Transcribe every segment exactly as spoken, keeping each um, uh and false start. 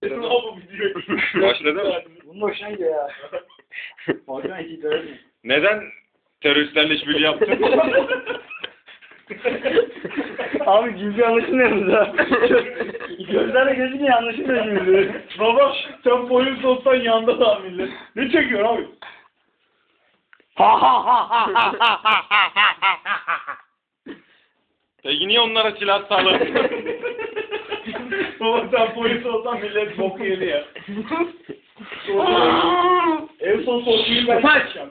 bu video? Başladı mı? Bunun hoşuna gidiyor ya. Volkan hiç idare etmiyor. Neden teröristlerle işbirliği yaptın? Abi cimri anlaşılmıyoruz ha. Gözlerle gözüküyor anlaşılmıyor cimri. Baba sen polis olsan yanda da millet. Ne çekiyorsun abi? Peki niye onlara silah sağladın? Baba sen polis olsan millet bok yedi ya. En son sorguyu ben yapacağım.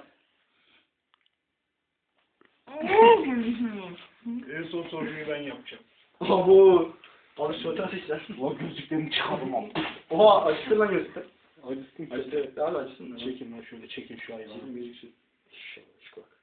En son sorguyu ben yapacağım. Abo. Abi soğutan seçler. O gözlüklerimi çıkardım abi. Oha açtın lan gözlükler. Acısın. Açtı evet. Daha açsın lan. Çekin lan şöyle çekin şu hayvanı. Çekin gözüksün. Şu bak.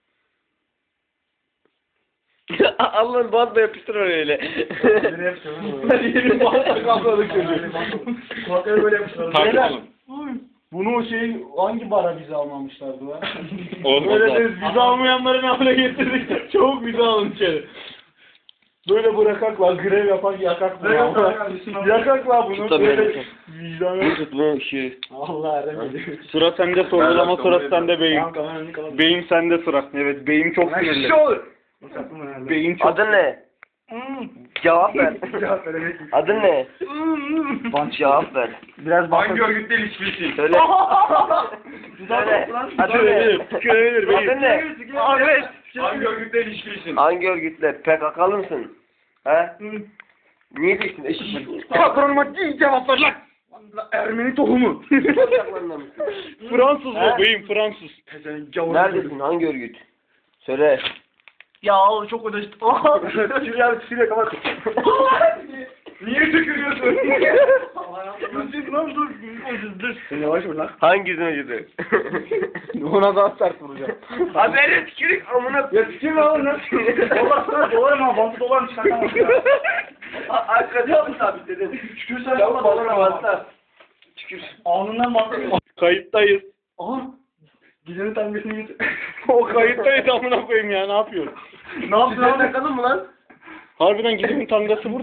Allah'ın bantla yapıştır oraya öyle. Nereye yapacağım? Hadi yeni bağırsak kapladık çocuğu. Kulakları böyle yapmışlar. Takip Beyler, olun. bunu o şey hangi bara bize almamışlardı lan? Olmaz Böyle abi. de vize almayanları ne hale getirdik? Çabuk vize alın içeri. Böyle bırakaklar, grev yapan yakaklar. Grev yapan Yakaklar bunu. Tut da Böyle beni. vicdan yok. Tut bu şey. Allah remedi. Sıra sende, sorgulama sırası sende beyin. Tamam kameranı kapat. Beyin sende sıra. Evet, beyin çok sinirli. Şu olur. Sakın herhalde. Beyin çok... Adın ne? Cevap ver. Cevap veremek. Adın ne? Cevap ver. Biraz Hangi örgütle ilişkilisin? Söyle. Söyle. Adın ne? Köylüdür beyin. Adın ne? Evet. Hangi örgütle ilişkilisin? Hangi örgütle? P K K'lı mısın? He? Niye değilsin eşit? Patronuma değil cevap ver lan. Ermeni tohumu. Ocaklarında mısın? Fransız He? bu beyin, Fransız. Neredesin? Hangi örgüt? Söyle. Ya oğlum çok ödeştim. Şuraya abi şuraya kapat. Niye tükürüyorsun? Dur lan dur. Dur. Sen yavaş vur lan. Hangisini acıdı? Ona daha sert vuracağım. Haberi tükürük amına. Ya tükürme oğlum lan. Dolar sana dolar mı? Bantı dolar mı çıkartamazsın ya. Arkada mı sabitledin? Tükürsen Çabuk dolar balona mı? bastı. Tükür. Alnından bantı. Kayıttayız. Aha. Gidenin tangesini getir. O kayıttayız amına koyayım ya, ne yapıyorsun? Ne yaptın Sen abi? takalım mı lan? Harbiden gidemin tangası vur.